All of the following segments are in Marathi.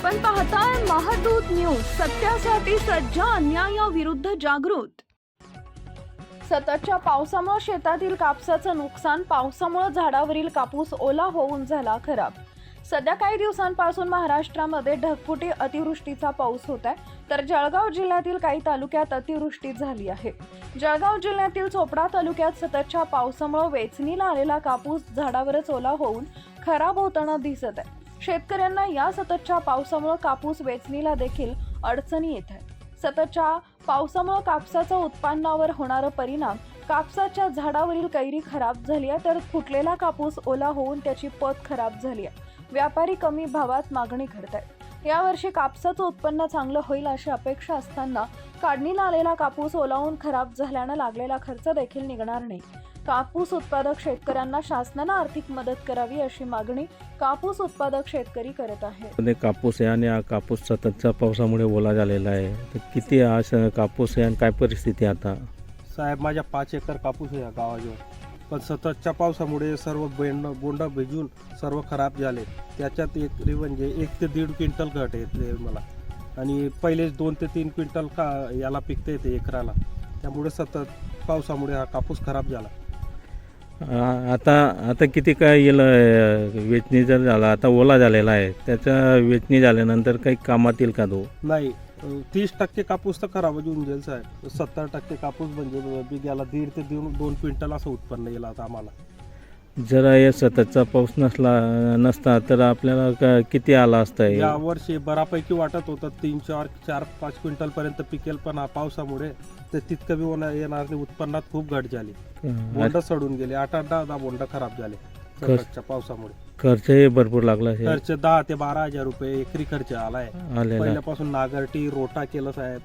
आपण पाहताय महादूत न्यूज, सत्यासाठी सज्ज, अन्यायाविरुद्ध जागृत। सततच्या पावसामुळे शेतातील कापसाचं नुकसान, पावसामुळे झाडावरील कापूस ओला होऊन झाला खराब। सध्या काही दिवसांपासून महाराष्ट्रामध्ये ढगफुटी अतिवृष्टीचा पाऊस होत आहे, तर जळगाव जिल्ह्यातील काही तालुक्यात अतिवृष्टी झाली आहे। जळगाव जिल्ह्यातील चोपडा तालुक्यात सततच्या पावसामुळे वेचणीला आलेला कापूस झाडावरच ओला होऊन खराब होताना दिसत आहे। शेतकऱ्यांना या सततच्या पावसामुळे कापूस वेचणीला देखील अडचणी येत आहेत। सततच्या पावसामुळे कापसाच्या उत्पन्नावर होणारा परिणाम, कापसाच्या झाडावरील कैरी खराब झाली आहे, तर फुटलेला कापूस ओला होऊन त्याची पत खराब झाली आहे। व्यापारी कमी भावात मागणी करतायत। यावर्षी कापसाचं उत्पन्न चांगलं होईल अशी अपेक्षा असताना काढणीला आलेला कापूस ओलावून खराब झाल्यानं लागलेला खर्च देखील निघणार नाही। कापूस उत्पादक शेतकऱ्यांना शासनाने आर्थिक मदत करावी अशी मागणी कापूस उत्पादक शेतकरी करत आहेत। कापूस आहे आणि हा कापूस सततच्या पावसामुळे ओला झालेला आहे, तर किती हा कापूस आहे आणि काय परिस्थिती आता? साहेब, माझ्या 5 एकर कापूस आहे या गावाजवळ, पण सततच्या पावसामुळे सर्व बोंड भिजून सर्व खराब झाले। त्याच्यात एकरी म्हणजे 1 ते 1.5 क्विंटल घट येते मला, आणि पहिलेच 2 ते 3 क्विंटल याला पिकते येते एकराला। त्यामुळे सतत पावसामुळे हा कापूस खराब झाला। आता किती काय येईल वेचणी जर झाला, आता ओला झालेला आहे, त्याच्या वेचणी झाल्यानंतर काही कामात येईल का तो? नाही, 30% कापूस तर खराब होऊन जाईल साहेब। 70% कापूस म्हणजे बिघ्याला 1.5 ते 2 क्विंटल असं उत्पन्न येईल आता आम्हाला। जर या सततचा पाऊस नसता तर आपल्याला किती आला असता? या वर्षी बऱ्यापैकी वाटत होतं 3, 4, 5 क्विंटल पर्यंत पिकेल, पण हा पावसामुळे ते तितकं बी येणार नाही। उत्पन्नात खूप घट झाली, बोंड सडून गेले, 8-10 बोंड खराब झाले सततच्या पावसामुळे। खर्चही भरपूर लागला, खर्च 10 ते 12 हजार रुपये एकरी खर्च आलाय। पहिल्यापासून नागरटी, रोटा केलं साहेब,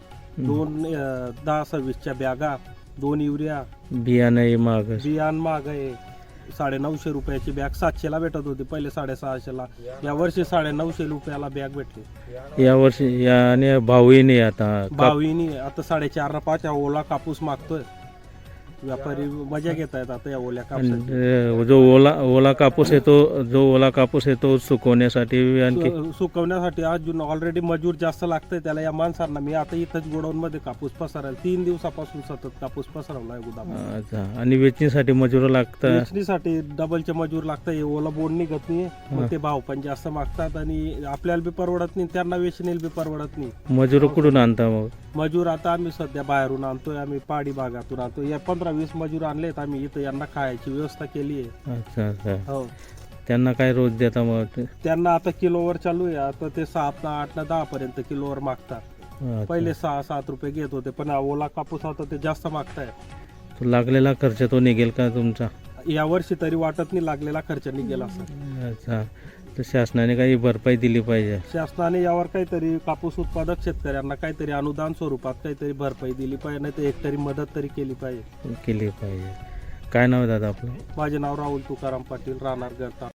10-26च्या बॅगा, 2 युरिया, बियाणं महाग आहे। 950 रुपयाची बॅग 700ला भेटत होती, पहिले 650ला। या वर्षी 950 रुपयाला बॅग भेटली। या वर्षी आणि भावही नाही, आता 4.5 ओला कापूस मागतोय। व्यापारी मजा घेत आहेत आता या ओल्या कापूस। जो ओला कापूस आहे तो सुकवण्यासाठी अजून ऑलरेडी मजूर जास्त लागतंय त्याला, या माणसांना। मी आता इथंच गोडाऊन मध्ये कापूस पसरायला 3 दिवसापासून सतत कापूस पसरवलाय गोदामात। अच्छा, आणि वेचणीसाठी मजूर लागतात? वेचणीसाठी डबलचे मजूर लागतात। ओला बोंड निघत नाही, मग ते भाव पण जास्त मागतात, आणि आपल्याला बी परवडत नाही, त्यांना वेचणीला बी परवडत नाही। मजूर कुठून आणता मग? मजूर आता आम्ही सध्या बाहेरून आणतोय, आम्ही पहाडी भागातून आणतोय। या 15-20 मजूर आणलेत आम्ही इथं, यांना खायची व्यवस्था केली आहे। अच्छा, हो। त्यांना काय रोज देता मग? त्यांना आता किलोवर चालू आहे, आता ते 7, 8, 10 पर्यंत किलोवर मागतात। पहिले 6-7 रुपये घेत होते, पण ओला कापूस आता ते जास्त मागताय। तो लागलेला खर्च तो निघेल का तुमचा? या वर्षी तरी वाटत नाही लागलेला खर्च निघेल असं। अच्छा, तर शासनाने काही भरपाई दिली पाहिजे? शासनाने यावर काहीतरी कापूस उत्पादक शेतकऱ्यांना काहीतरी अनुदान स्वरूपात काहीतरी भरपाई दिली पाहिजे, नाही तर एकतरी मदत तरी केली पाहिजे। काय नाव आहे दादा आपलं? माझे नाव राहुल तुकाराम पाटील, राहणार गरता।